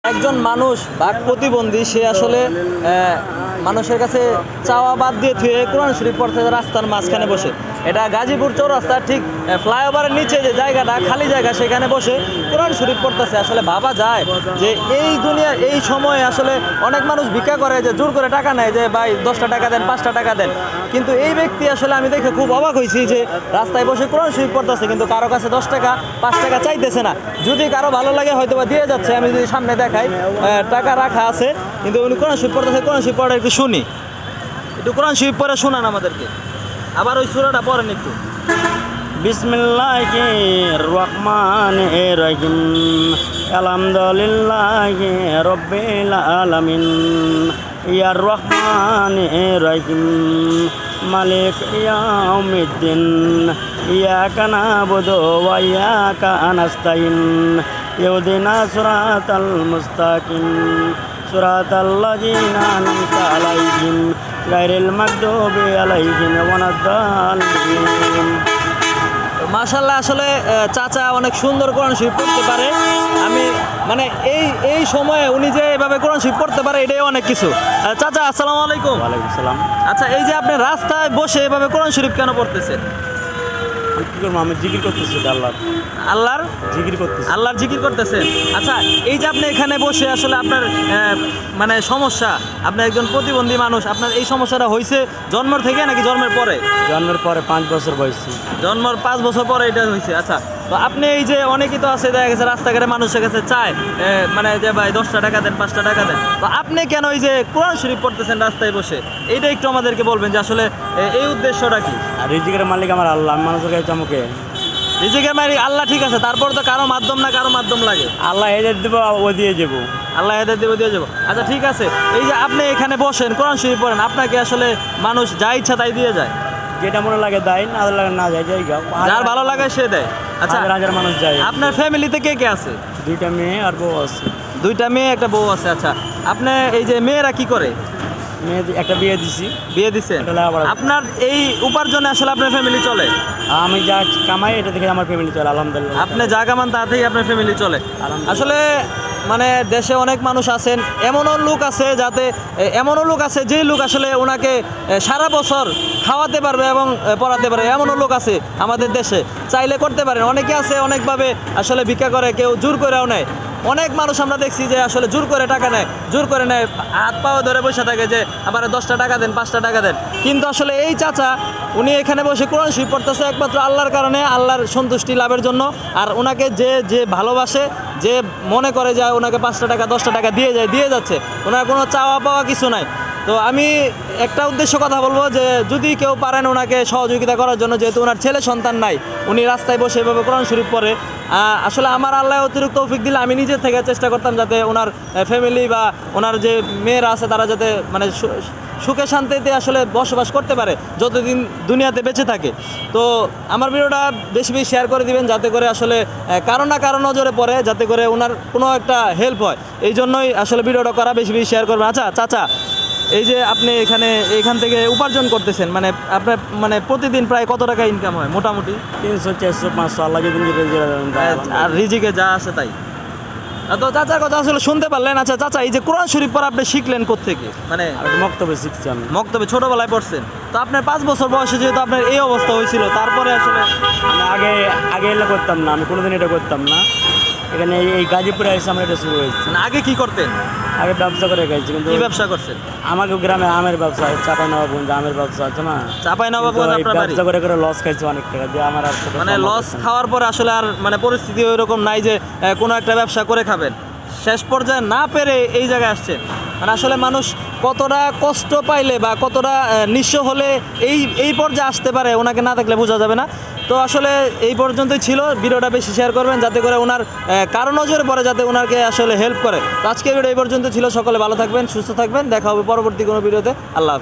একজন মানুষ বাক প্রতিবন্ধী সে আসলে মানুষের কাছে চাওয়া বাদ দিয়ে থুয়ে কোরআন শরীফ পড়তে রাস্তার মাঝখানে বসে। এটা গাজীপুর চৌরাস্তা ঠিক ফ্লাইওভারের নিচে যে জায়গাটা খালি জায়গা সেখানে বসে কোরআন শরীফ পড়তেছে। আসলে ভাবা যায় যে এই দুনিয়ার এই সময়ে আসলে অনেক মানুষ ভিক্ষা করে, যে জোর করে টাকা নেয় যে ভাই 10টা টাকা দেন, 5টা টাকা দেন, কিন্তু এই ব্যক্তি আসলে আমি দেখে খুব অবাক হয়েছি যে রাস্তায় বসে কোরআন শরীফ পড়তেছে, কিন্তু কারো কাছে 10 টাকা 5 টাকা চাইতেছে না। যদি কারো ভালো লাগে হয়তো বা দিয়ে যাচ্ছে, আমি যদি সামনে দেখাই টাকা রাখা আছে, কিন্তু উনি কোরআন শরীফ পড়তেছে। কোরআন শরীফ পড়া একটু শুনি, একটু কোরআন শরীফ পড়ে শোনান আমাদেরকে, আবার ওই সূরাটা পড়েন একটু। বিসমিল্লাহির রহমানির রহিম আলহামদুলিল্লাহি রাব্বিল আলামিন ইয়ার রহমানির রহিম মালিক ইয়াউমিদ্দিন ইয়াকা নাবুদু ওয়া ইয়াকা নাস্তাইন ইহদিনা সিরাতাল মুস্তাকিম সিরাতাল্লাযিনা আন'আমতা আলাইহিম গায়রিল মাগদুবি আলাইহিম ওয়ালাদ-দাল্লিন। মাশাআল্লাহ, আসলে চাচা অনেক সুন্দর কোরআন শরীফ পড়তে পারে। আমি মানে এই সময়ে উনি যে এভাবে কোরআন শরীফ পড়তে পারে এটাই অনেক কিছু। চাচা আসসালামু আলাইকুম। ওয়ালাইকুম সালাম। আচ্ছা, এই যে আপনি রাস্তায় বসে এভাবে কোরআন শরীফ কেন পড়তেছেন? কি করবো, আমি জিকির করতেছি আল্লাহর জিকির করতেছেন। আচ্ছা, এই যে আপনি এখানে বসে আসলে আপনার মানে সমস্যা, আপনি একজন প্রতিবন্ধী মানুষ, আপনার এই সমস্যাটা হয়েছে জন্মের থেকে নাকি জন্মের পরে? জন্মের পরে 5 বছর বয়সী। জন্মের 5 বছর পরে এটা হয়েছে। আচ্ছা, তো আপনি এই যে অনেকেই তো আছে দেখা গেছে রাস্তাঘাটে মানুষের কাছে চায় মানে যে ভাই 10টা টাকা দেন, 5টা টাকা দেন, তো আপনি কেন এই যে কোরআন শরীফ পড়তেছেন রাস্তায় বসে, এইটা একটু আমাদেরকে বলবেন যে আসলে এই উদ্দেশ্যটা কি? আর রিজিকের মালিক আমার আল্লাহ, আমি মানুষের কাছে চমকে। রিজিকের মালিক আল্লাহ, ঠিক আছে, তারপর তো কারো মাধ্যম লাগে। আল্লাহ হেদায়েত দেবো, ও দিয়ে যাবো। আল্লাহ হেদায়েত দেবো, দিয়ে যাবো। আচ্ছা ঠিক আছে, এই যে আপনি এখানে বসেন কোরআন শরীফ পড়েন, আপনাকে আসলে মানুষ যা ইচ্ছা তাই দিয়ে যায়? যেটা মনে লাগে দেয়, না লাগে না যায়, যাই গাও, যার ভালো লাগে সে দেয়। আচ্ছা, হাজার মানুষ যায়। আপনার ফ্যামিলিতে কে কে আছে? 2টা মেয়ে আর বউ আছে। 2টা মেয়ে, একটা বউ আছে। আচ্ছা, আপনি এই যে মেয়েরা কি করে? মেয়ে একটা বিয়ে দিছি। বিয়ে দিচ্ছেন? আপনার এই উপার্জনে আসলে আপনার ফ্যামিলি চলে? আমি যা কামাই এটা থেকে আমার ফ্যামিলি চলে আলহামদুলিল্লাহ। আপনি যা কামান তা থেকেই আপনার ফ্যামিলি চলে? আসলে মানে দেশে অনেক মানুষ আছেন, এমনও লোক আছে যে লোক আসলে ওনাকে সারা বছর খাওয়াতে পারবে এবং পড়াতে পারবে, এমনও লোক আছে আমাদের দেশে, চাইলে করতে পারেন। অনেকে আছে অনেকভাবে আসলে ভিক্ষা করে, কেউ জোর করেও নেয়। অনেক মানুষ আমরা দেখছি যে আসলে জোর করে টাকা নেয়, জোর করে নেয়, হাত পাও ধরে বসে থাকে যে আবার 10টা টাকা দেন, 5টা টাকা দেন। কিন্তু আসলে এই চাচা উনি এখানে বসে কোরআন শরীফ পড়তেছে একমাত্র আল্লাহর কারণে, আল্লাহর সন্তুষ্টি লাভের জন্য। আর ওনাকে যে ভালোবাসে, যে মনে করে যে ওনাকে 5টা টাকা 10টা টাকা দিয়ে যাচ্ছে, ওনার কোনো চাওয়া পাওয়া কিছু নাই। তো আমি একটা উদ্দেশ্য কথা বলবো যে যদি কেউ পারেন ওনাকে সহযোগিতা করার জন্য, যেহেতু ওনার ছেলে সন্তান নাই, উনি রাস্তায় বসে এভাবে কোরআন শরীফ পড়ে। আসলে আমার আল্লাহ অতিরিক্ত তৌফিক দিলে আমি নিজের থেকে চেষ্টা করতাম যাতে ওনার ফ্যামিলি বা ওনার যে মেয়েরা আছে তারা যাতে মানে সুখে শান্তিতে আসলে বসবাস করতে পারে যতদিন দুনিয়াতে বেঁচে থাকে। তো আমার ভিডিওটা বেশি শেয়ার করে দিবেন, যাতে করে আসলে কারো না কারো নজরে পড়ে, যাতে করে ওনার কোনো একটা হেল্প হয়। এই জন্যই আসলে ভিডিওটা করা, বেশি শেয়ার করবেন। আচ্ছা চাচা, এই যে আপনি এখান থেকে উপার্জন করতেছেন, মানে আপনার মানে প্রতিদিন প্রায় কত টাকা ইনকাম হয় মোটামুটি? 300 400 500 আল্লাহ যদি আর রিজিকে যা আছে তাই। তো চাচার কথা আসলে শুনতে পারলেন। আচ্ছা চাচা, এই যে কোরআন শরীফ পড়া আপনি শিখলেন কোত্থেকে? মানে মক্তবে শিখছি আমি। মক্তবে ছোটবেলায় পড়ছেন? তো আপনার 5 বছর বয়সে যেহেতু আপনার এই অবস্থা হয়েছিল, তারপরে আসলে আমি আগে এটা করতাম না, আমি কোনোদিন এটা করতাম না। এখানে এই গাজীপুরে এসে আমার এটা শুরু হয়েছে। আগে কি করতেন? আগে ব্যবসা করে গেছি। কিন্তু কি ব্যবসা করছেন? আমাকে গ্রামে আমের ব্যবসা, চাঁপাইনবাবগঞ্জ আমের ব্যবসা আছে না, চাঁপাইনবাবগঞ্জ আপনার বাড়ি? ব্যবসা করে লস খাইছি অনেক টাকা দিয়ে। আমার আর মানে লস খাওয়ার পর আসলে আর মানে পরিস্থিতি ওইরকম নাই যে কোনো একটা ব্যবসা করে খাবেন, শেষ পর্যায়ে না পেরে এই জায়গায় আসছেন। মানে আসলে মানুষ কতটা কষ্ট পাইলে বা কতটা নিঃস্ব হলে এই পর্যায়ে আসতে পারে, ওনাকে না দেখলে বোঝা যাবে না। তো আসলে এই পর্যন্তই ছিল। ভিডিওটা বেশি শেয়ার করবেন যাতে করে ওনার কারো নজরে পড়ে, যাতে ওনাকে আসলে হেল্প করে। তো আজকের ভিডিও এই পর্যন্ত ছিল। সকলে ভালো থাকবেন, সুস্থ থাকবেন, দেখা হবে পরবর্তী কোনো ভিডিওতে। আল্লাহ হাফেজ।